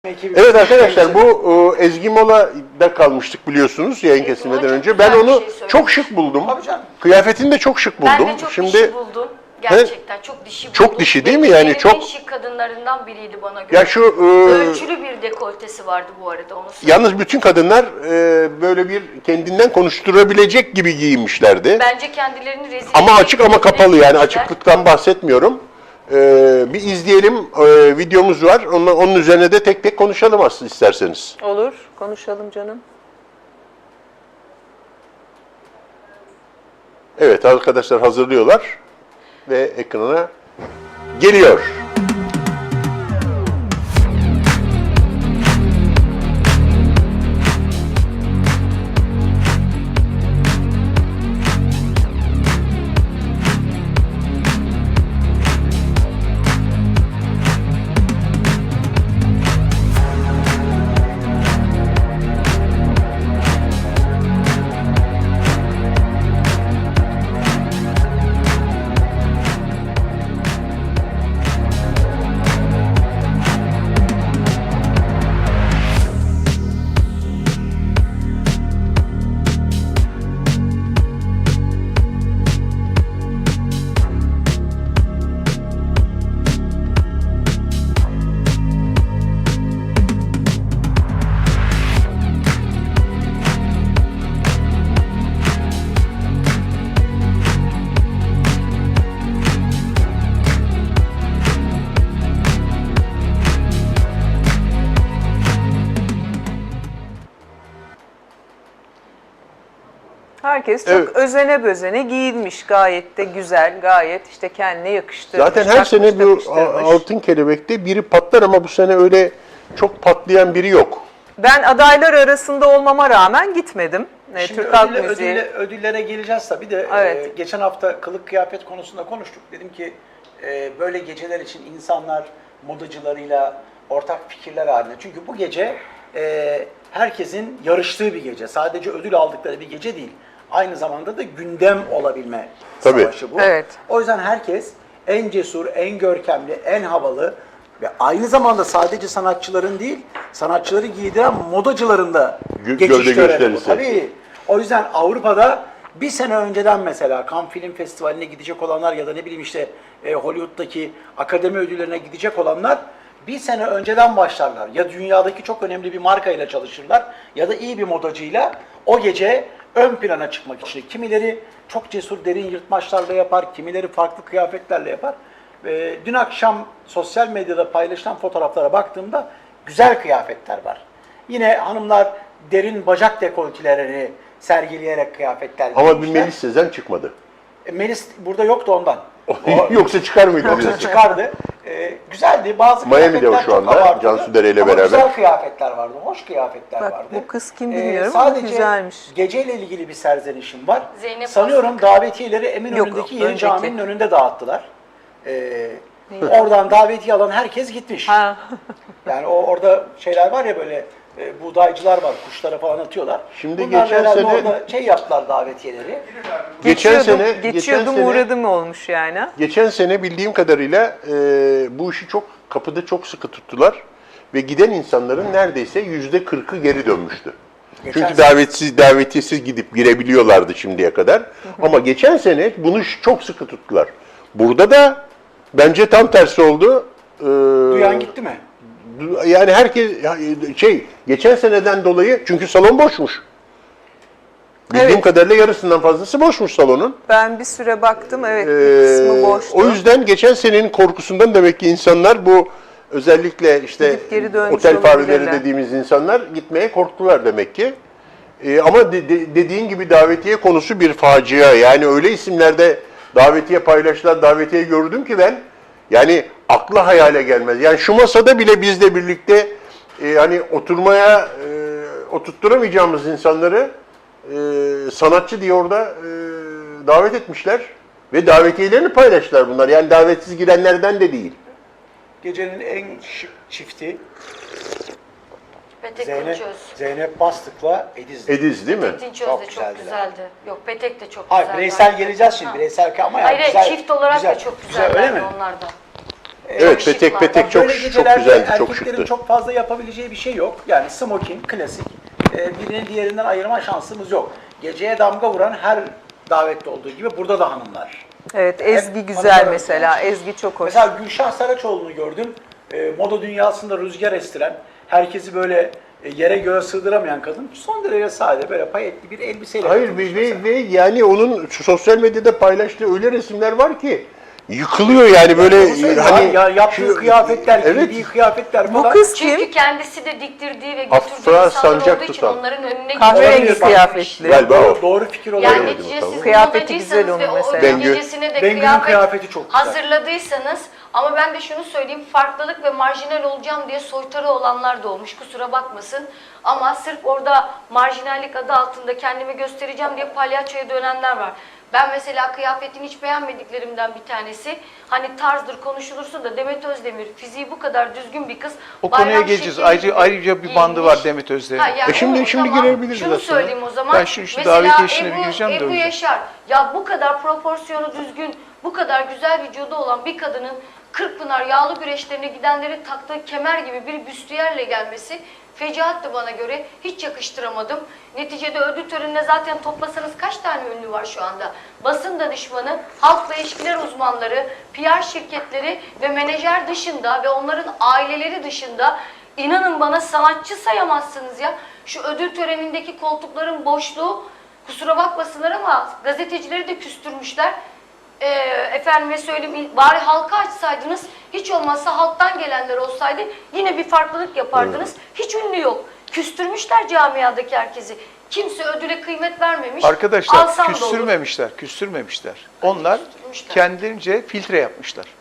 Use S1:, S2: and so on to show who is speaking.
S1: Evet arkadaşlar, bu Ezgi Mola'da kalmıştık biliyorsunuz yayın kesilmeden önce. Ben onu çok şık buldum. Kıyafetini de çok şık buldum.
S2: Ben de çok dişi buldum. Gerçekten çok dişi buldum.
S1: Çok dişi değil mi? Yani çok
S2: en şık kadınlarından biriydi bana göre.
S1: Ya şu
S2: ölçülü bir dekoltesi vardı bu arada, onu söyleyeyim.
S1: Yalnız bütün kadınlar böyle bir kendinden konuşturabilecek gibi giyinmişlerdi.
S2: Bence kendilerini rezil
S1: ama açık ama kapalı, yani
S2: giymişler.
S1: açıklıktan bahsetmiyorum. Bir izleyelim, videomuz var. Onun üzerine de tek tek konuşalım aslında isterseniz.
S3: Olur, konuşalım canım.
S1: Evet, arkadaşlar hazırlıyorlar ve ekrana geliyor.
S3: Herkes çok özene bözene giyinmiş, gayet de güzel, gayet işte kendine yakıştırmış.
S1: Zaten her sene bu Altın Kelebek'te biri patlar ama bu sene öyle çok patlayan biri yok.
S3: Ben adaylar arasında olmama rağmen gitmedim.
S4: Şimdi
S3: Türk Halk Müziği.
S4: ödüllere geleceğiz tabii de
S3: Evet.
S4: Geçen hafta kılık kıyafet konusunda konuştuk. Dedim ki böyle geceler için insanlar modacılarıyla ortak fikirler halinde. Çünkü bu gece herkesin yarıştığı bir gece. Sadece ödül aldıkları bir gece değil. Aynı zamanda da gündem olabilme savaşı bu.
S3: Evet.
S4: O yüzden herkes en cesur, en görkemli, en havalı ve aynı zamanda sadece sanatçıların değil, sanatçıları giydiren modacıların da geçiş töreni bu. Tabii. O yüzden Avrupa'da bir sene önceden mesela Cannes Film Festivali'ne gidecek olanlar ya da ne bileyim işte Hollywood'daki akademi ödüllerine gidecek olanlar bir sene önceden başlarlar. Ya dünyadaki çok önemli bir markayla çalışırlar ya da iyi bir modacıyla o gece ön plana çıkmak için. Kimileri çok cesur derin yırtmaçlarla yapar, kimileri farklı kıyafetlerle yapar. Dün akşam sosyal medyada paylaşılan fotoğraflara baktığımda güzel kıyafetler var. Yine hanımlar derin bacak dekoltelerini sergileyerek kıyafetler giymişler.
S1: Ama bir Melis Sezen çıkmadı.
S4: Melis burada yoktu ondan.
S1: Yoksa çıkar mıydı?
S4: Yoksa çıkardı. Güzeldi. Bazı
S1: Miami'de o şu anda Cansu Dere ile beraber.
S4: Güzel kıyafetler vardı, hoş kıyafetler
S3: Bak,
S4: vardı.
S3: bu kız kim bilmiyorum ama güzelmiş.
S4: Sadece geceyle ilgili bir serzenişim var.
S2: Zeynep
S4: Sanıyorum
S2: Aslık.
S4: davetiyeleri Eminönü'ndeki Yeni
S3: önceki.
S4: Cami'nin önünde dağıttılar. Oradan davetiye alan herkes gitmiş.
S3: Ha.
S4: Yani orada şeyler var ya böyle buğdaycılar var, kuşlara falan atıyorlar.
S1: Şimdi
S4: bunlar
S1: geçen
S4: herhalde
S1: sene-
S4: orada davetiyeleri.
S3: Geçiyordum uğradım olmuş yani.
S1: Geçen sene bildiğim kadarıyla bu işi kapıda çok sıkı tuttular ve giden insanların neredeyse %40'ı geri dönmüştü. Çünkü davetiyesiz gidip girebiliyorlardı şimdiye kadar. Ama geçen sene bunu çok sıkı tuttular. Burada da bence tam tersi oldu.
S4: Duyan gitti mi?
S1: Yani herkes geçen seneden dolayı, çünkü salon boşmuş. Bildiğim kadarıyla yarısından fazlası boşmuş salonun.
S3: Ben bir süre baktım, evet, bir kısmı boştu.
S1: O yüzden geçen senenin korkusundan demek ki insanlar bu özellikle işte otel fareleri dediğimiz insanlar gitmeye korktular demek ki. Ama dediğin gibi davetiye konusu bir facia. Yani öyle isimlerde davetiye paylaştılar, davetiye gördüm ki ben, yani akla hayale gelmez. Yani şu masada bile bizle birlikte hani oturmaya oturtturamayacağımız insanları sanatçı diye orada davet etmişler ve davetiyelerini paylaştılar bunlar. Yani davetsiz girenlerden de değil.
S4: Gecenin en şık çifti
S2: Petek
S4: Zeynep Bastık'la Ediz.
S1: Ediz değil mi?
S2: Petek Dinçöz de çok güzeldi. Yok, Petek de çok
S4: Hayır,
S2: güzeldi.
S4: bireysel geleceğiz şimdi. Bireysel ama yani
S2: hayır,
S4: güzel.
S2: çift olarak
S4: güzel,
S2: da çok
S4: güzel,
S2: güzeldi
S4: öyle mi?
S2: onlar da.
S1: Evet,
S2: şık
S1: petek
S2: var.
S1: petek çok
S4: Böyle
S1: çok
S4: gecelerde
S1: güzeldi, çok
S4: erkeklerin
S1: şıktı.
S4: çok fazla yapabileceği bir şey yok. Yani smoking, klasik. Birini diğerinden ayırma şansımız yok. Geceye damga vuran her davette olduğu gibi burada da hanımlar.
S3: Evet, Ezgi
S4: Hep
S3: güzel
S4: hanımlar
S3: mesela.
S4: olmuş.
S3: Ezgi çok hoş.
S4: Mesela Gülşah Saraçoğlu'nu gördüm. Moda dünyasında rüzgar estiren, herkesi böyle yere göğe sığdıramayan kadın. Son derece sade, böyle payetli bir elbiseyle
S1: Hayır
S4: katılmış
S1: ve
S4: mesela.
S1: yani onun sosyal medyada paylaştığı öyle resimler var ki yıkılıyor yani böyle hani
S4: ya yaptığı
S1: şu-
S4: kıyafetler,
S1: evet,
S4: giydiği kıyafetler
S3: Bu
S4: falan.
S3: kız
S2: Çünkü
S3: kim?
S2: kendisi de diktirdiği ve
S1: Afra
S2: götürdüğü insanlar
S1: sancak
S2: olduğu için
S1: tutan.
S2: onların önüne
S3: Kahverengi
S2: gidiyor.
S3: kıyafetli.
S1: Galiba o.
S4: Doğru fikir
S2: Yani
S4: olabilir.
S2: neticede siz
S3: Kıyafeti güzel
S2: modacıysanız ve
S3: onun
S2: o
S3: mesela.
S2: ödül
S1: Bengü.
S2: gecesine de
S4: Bengü'nün kıyafeti çok güzel.
S2: hazırladıysanız ama ben de şunu söyleyeyim, farklılık ve marjinal olacağım diye soytarı olanlar da olmuş, kusura bakmasın. Ama sırf orada marjinallik adı altında kendimi göstereceğim diye palyaçoya dönenler var. Ben mesela kıyafetini hiç beğenmediklerimden bir tanesi, hani tarzdır konuşulursa da Demet Özdemir fiziği bu kadar düzgün bir kız.
S5: O konuya
S2: bayram
S5: geleceğiz.
S2: şekli
S5: Ayrıca bir bandı
S2: giyinmiş.
S5: var Demet Özdemir'in.
S2: Ha, yani
S1: şimdi
S2: o
S1: şimdi
S2: zaman
S1: girebiliriz
S2: şunu
S1: aslında.
S2: söyleyeyim o zaman.
S5: Ben şu
S2: Mesela
S5: davetiye işine bir gireceğim de o
S2: Ebru
S5: yüzden.
S2: Yaşar, ya bu kadar proporsiyonu düzgün, bu kadar güzel vücudu olan bir kadının Kırkpınar yağlı güreşlerine gidenlerin taktığı kemer gibi bir büstiyerle gelmesi fecaatti bana göre. Hiç yakıştıramadım. Neticede ödül törenine zaten toplasanız kaç tane ünlü var şu anda? Basın danışmanı, halkla ilişkiler uzmanları, PR şirketleri ve menajer dışında ve onların aileleri dışında inanın bana sanatçı sayamazsınız ya. Şu ödül törenindeki koltukların boşluğu, kusura bakmasınlar ama gazetecileri de küstürmüşler. Efendime söyleyeyim, bari halka açsaydınız, hiç olmazsa halktan gelenler olsaydı yine bir farklılık yapardınız. Hiç ünlü yok. Küstürmüşler camiadaki herkesi. Kimse ödüle kıymet vermemiş.
S5: Arkadaşlar
S2: Alsam da olur.
S5: küstürmemişler. Onlar
S2: Küstürmüşler.
S5: kendilerince filtre yapmışlar.